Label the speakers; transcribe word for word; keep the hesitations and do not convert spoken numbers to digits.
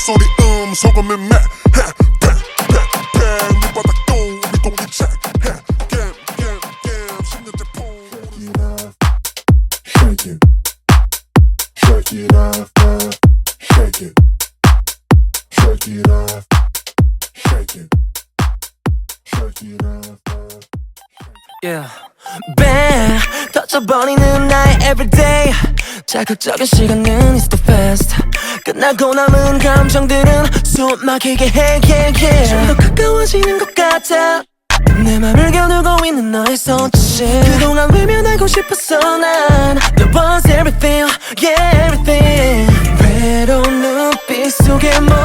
Speaker 1: 소리 음 소금이 매 팽팽팽 밑바닥도 우리 공기책 게임 게임 게임 십 년째 폰 Shake it Shake it off Shake it Shake it off Shake it Shake it off
Speaker 2: Yeah. Bang 터져버리는 나의 everyday 자극적인 시간은 is too fast 끝나고 남은 감정들은 숨 막히게 해 yeah, yeah. 좀 더 가까워지는 것 같아 내 맘을 겨누고 있는 너의 손짓 그동안 외면하고 싶었어 난 There was everything, yeah everything 외로운 눈빛 속에